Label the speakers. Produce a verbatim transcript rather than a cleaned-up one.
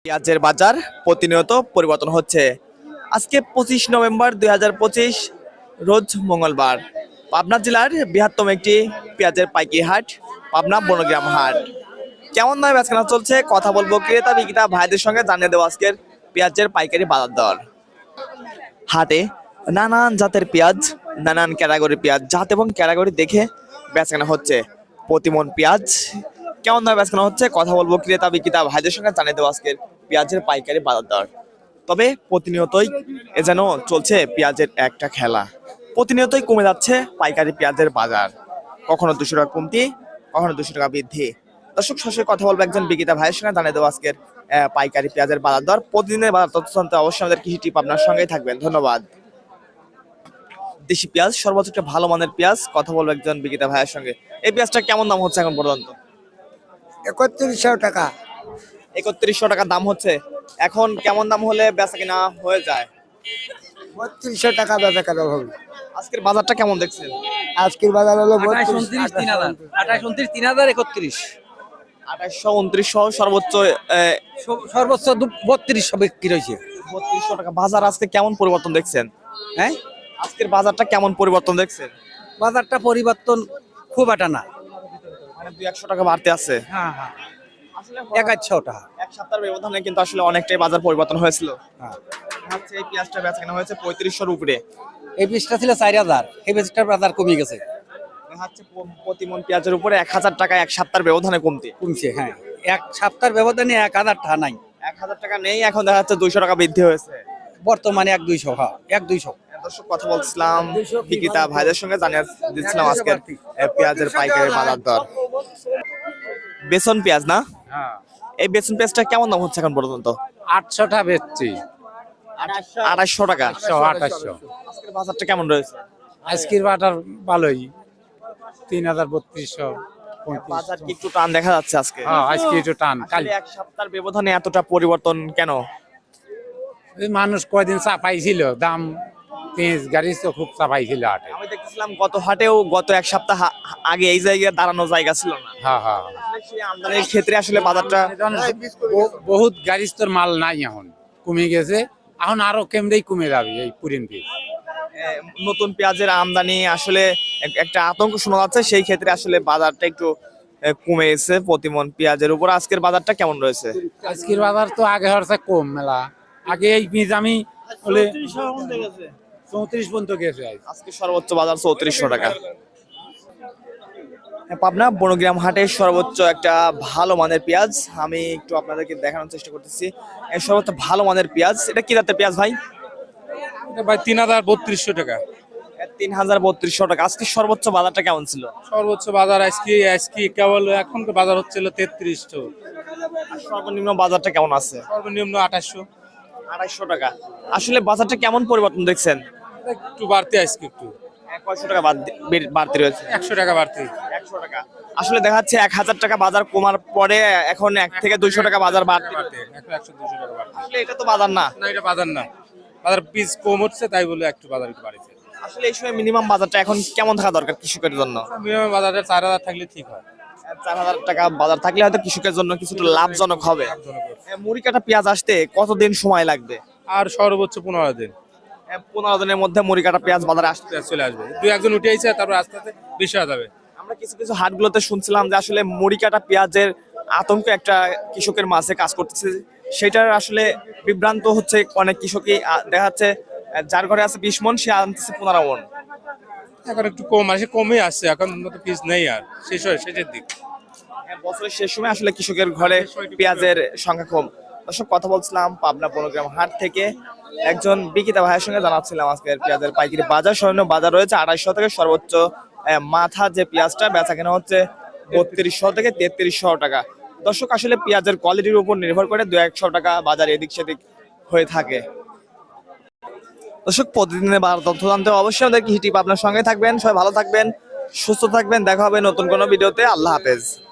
Speaker 1: পেঁয়াজের বাজার প্রতিনিয়ত পরিবর্তন হচ্ছে। আজকে পঁচিশ নভেম্বর দুই হাজার পঁচিশ রোজ মঙ্গলবার। পাবনা জেলার বৃহত্তম একটি পেঁয়াজের পাইকারি হাট পাবনা বনগ্রাম হাট। কেমন দামে বেচাকেনা চলছে কথা বলবো ক্রেতা বিক্রেতা ভাইদের সঙ্গে, জানিয়ে দেবো আজকের পেঁয়াজের পাইকারি বাজার দর। হাটে নানান জাতের পেঁয়াজ, নানান ক্যাটাগরির পেঁয়াজ, জাত এবং ক্যাটাগরি দেখে বেচাকেনা হচ্ছে। প্রতিমন পেঁয়াজ কেমন দামে বেচাকেনা হচ্ছে কথা বলবো ক্রেতা বিক্রেতা ভাইদের সঙ্গে, জানিয়ে দেবো আজকের পেঁয়াজের পাইকারি বাজার দর। তবে প্রতিনিয়তই এ যেন চলছে পেঁয়াজের একটা খেলা। প্রতিনিয়তই কমে যাচ্ছে পাইকারি পেঁয়াজের বাজার, কখনো দুশো টাকা কমতি, কখনো দুশো টাকা বৃদ্ধি। দর্শক সরাসরি কথা বলবো একজন বিক্রেতা ভাইয়ের সঙ্গে, জানিয়ে দেবো আজকের আহ, পাইকারি পেঁয়াজের বাজার দর। প্রতিদিনের বাজার তথ্য জানতে অবশ্যই আমাদের কৃষি টিপ আপনার সঙ্গেই থাকবেন। ধন্যবাদ। দেশি পেঁয়াজ সর্বোচ্চ একটা ভালো মানের পেঁয়াজ, কথা বলবো একজন বিক্রেতা ভাইয়ের সঙ্গে। এই পেঁয়াজটা কেমন দাম হচ্ছে এখন পর্যন্ত?
Speaker 2: একত্রিশশো টাকা।
Speaker 1: একত্রিশশো টাকা দাম হচ্ছে। এখন কেমন দাম হলে বেচা কিনা হয়ে যায়?
Speaker 2: বত্রিশশো টাকা বেচা কেনা হবে।
Speaker 1: আজকের বাজারটা কেমন দেখছেন?
Speaker 2: আজকের বাজার হলো
Speaker 3: আঠাশ উনত্রিশ তিন হাজার আঠাশ উনত্রিশ তিন হাজার একত্রিশ
Speaker 1: আঠাশশো উনত্রিশশো সর্বোচ্চ
Speaker 3: সর্বোচ্চ বত্রিশশো বিক্রি হয়েছে।
Speaker 1: বত্রিশশো টাকা। বাজার আজকে কেমন পরিবর্তন দেখছেন?
Speaker 3: হ্যাঁ,
Speaker 1: আজকের বাজারটা কেমন পরিবর্তন দেখছেন?
Speaker 3: বাজারটা পরিবর্তন খুব একটা না,
Speaker 1: মানে দুই একশো টাকা বাড়তে আছে।
Speaker 3: হ্যাঁ হ্যাঁ
Speaker 1: আসলে
Speaker 3: একাশশো টাকা।
Speaker 1: এক সপ্তাহের ব্যবধানে কিন্তু আসলে অনেকটাই বাজার পরিবর্তন হয়েছিল।
Speaker 3: হ্যাঁ,
Speaker 1: হচ্ছে এই পেঁয়াজটা বেচা কেনা হয়েছে পঁয়ত্রিশশোর উপরে।
Speaker 3: এই বীজটা ছিল চার হাজার, এই বীজটার বাজার কমে গেছে,
Speaker 1: হচ্ছে প্রতি মন পেঁয়াজের উপরে এক হাজার টাকা এক সপ্তাহের ব্যবধানে কমতে
Speaker 3: কমছে। হ্যাঁ, এক সপ্তাহের ব্যবধানে এক হাজার টাকা নাই,
Speaker 1: এক হাজার টাকা নেই, এখন দেখা যাচ্ছে দুইশো টাকা বৃদ্ধি হয়েছে
Speaker 3: বর্তমানে এক দুইশো। হ্যাঁ, এক দুইশো।
Speaker 1: দর্শক কথা বলছিলাম বিক্রেতা ভাইদের সঙ্গে, জানিয়ে দিচ্ছিলাম আজকের পেঁয়াজের পাইকারি বাজার দর। বেসন পেঁয়াজ না,
Speaker 4: হ্যাঁ,
Speaker 1: এই বেসন পেঁয়াজটা কেমন দাম হচ্ছে এখন পর্যন্ত?
Speaker 4: আটশোটা বেচছি।
Speaker 1: আড়াইশো টাকা।
Speaker 4: আটশো আঠাশশো।
Speaker 1: আজকের বাজারটা কেমন রয়েছে?
Speaker 4: আজকের বাটার ভালোই, তিন হাজার বত্রিশশো
Speaker 1: বাজার কি একটু টান দেখা যাচ্ছে আজকে?
Speaker 4: হ্যাঁ, আজকে একটু টান। কাল
Speaker 1: আসলে এক সপ্তাহের ব্যবধানে এতটা পরিবর্তন কেন?
Speaker 4: ওই মানুষ কয়দিন চাপাইছিল দাম, পেঁয়াজ গাড়ি তো খুব চাপাইছিল হাটে।
Speaker 1: আমি দেখতেছিলাম গত হাটেও গত এক সপ্তাহ হা- আগে এই জায়গায় দাঁড়ানো জায়গা ছিল না।
Speaker 4: হ্যাঁ হ্যাঁ,
Speaker 1: আসলে সেই আমদানির ক্ষেত্রে আসলে বাজারটা
Speaker 4: ব- বহুত গাড়ি তোর মাল নাই, এখন কমে গেছে, এখন আরো কেমনেই কমে যাবে এই পুরিন পেঁয়াজ।
Speaker 1: এ, নতুন পেঁয়াজের আমদানি আসলে এক- একটা আতঙ্ক শোনা যাচ্ছে, সেই ক্ষেত্রে আসলে বাজারটা একটু এ, কমে এসেছে প্রতিমন পেঁয়াজের উপর। আজকের বাজারটা কেমন রয়েছে?
Speaker 4: আজকের বাজার তো আগে হচ্ছে কম মেলা, আগে এই পেঁয়াজ আমি বলে চৌত্রিশ পর্যন্ত গেছে আজ।
Speaker 1: আজকে সর্বোচ্চ বাজার চৌত্রিশশো টাকা। পাবনা বনগ্রাম হাটের সর্বোচ্চ একটা ভালো মানের পেঁয়াজ আমি একটু আপনাদেরকে দেখানোর চেষ্টা করতেছি। এই সর্বোচ্চ ভালো মানের পেঁয়াজ, এটা কি জাতের পেঁয়াজ ভাই?
Speaker 4: এটা ভাই তিন হাজার বত্রিশশো টাকা।
Speaker 1: তিন হাজার বত্রিশশো টাকা। আজকে সর্বোচ্চ বাজারটা কেমন ছিল?
Speaker 4: সর্বোচ্চ বাজার আজকে আজকে কেবল এখন তো বাজার হচ্ছিল তেত্রিশশো,
Speaker 1: আর সর্বনিম্ন বাজারটা কেমন আছে?
Speaker 4: সর্বনিম্ন আঠাশশো।
Speaker 1: আড়াইশো টাকা। আসলে বাজারটা কেমন পরিবর্তন দেখছেন?
Speaker 4: একটু বাড়তি আজকে, একটু
Speaker 1: কয়শো টাকা বাদ- বেড়ে- বাড়তি রয়েছে?
Speaker 4: একশো টাকা বাড়তি।
Speaker 1: একশো টাকা। আসলে দেখা যাচ্ছে এক হাজার টাকা বাজার কমার পরে এখন এক থেকে দুইশো টাকা বাজার বাড়তি।
Speaker 4: বাড়তি, একশো একশো দুশো টাকা বাড়তি।
Speaker 1: আসলে এটা তো বাজার না।
Speaker 4: না, এটা বাজার না, বাজার পিস কম হচ্ছে তাই বলে একটু বাজার একটু বাড়ছে।
Speaker 1: আসলে এই সময় মিনিমাম বাজারটা এখন কেমন থাকা দরকার কৃষকের জন্য?
Speaker 4: মিনিমাম বাজারে চার হাজার থাকলে ঠিক হয়।
Speaker 1: চার হাজার টাকা বাজার থাকলে হয়তো কৃষকের জন্য কিছুটা লাভজনক হবে। এ, মুড়ি কাটা পেঁয়াজ আসতে কতদিন সময় লাগবে?
Speaker 4: আর সর্বোচ্চ পনেরো দিন
Speaker 1: এ, পনেরো দিনের মধ্যে মুড়ি কাটা পেঁয়াজ বাজারে আসতে।
Speaker 4: পেঁয়াজ চলে আসবে, দুই একজন উঠে আইছে, তারপর আস্তে আস্তে বেশি হয়ে যাবে।
Speaker 1: আমরা কিছু কিছু হাটগুলোতে শুনছিলাম যে আসলে মুড়ি কাটা পেঁয়াজের আতঙ্ক একটা কৃষকের মাঝে কাজ করতেছে, সেটার আসলে বিভ্রান্ত হচ্ছে অনেক কৃষকই। আ, দেখা যাচ্ছে আ, যার ঘরে আছে বিশ মন সে আনতেছে পনেরো মন।
Speaker 4: এখন একটু কম আসে, কমই আসছে, এখন তো পিস নেই আর, শেষ হয় শেষের দিক।
Speaker 1: হ্যাঁ, বছরের শেষ সময় আসলে কৃষকের ঘরে পেঁয়াজের সংখ্যা কম। দর্শক কথা বলছিলাম পাবনা বনগ্রাম হাট থেকে একজন বিক্রেতা ভাইয়ের সঙ্গে, জানাচ্ছিলাম আজকের পেঁয়াজের পাইকারি বাজার। সৈন্য বাজার রয়েছে আড়াইশো থেকে সর্বোচ্চ আহ, মাথা যে পেঁয়াজটা বেচা কেনা হচ্ছে বত্রিশশো থেকে তেত্রিশশো টাকা। দর্শক আসলে পেঁয়াজের কোয়ালিটির উপর নির্ভর করে দু একশো টাকা বাজার এদিক সেদিক হয়ে থাকে। দর্শক প্রতিদিনের বাজার তথ্য জানতে অবশ্যই আমাদের কৃষি টিপ আপনার সঙ্গে থাকবেন। সবাই ভালো থাকবেন, সুস্থ থাকবেন। দেখা হবে নতুন কোনো ভিডিওতে। আল্লাহ হাফেজ।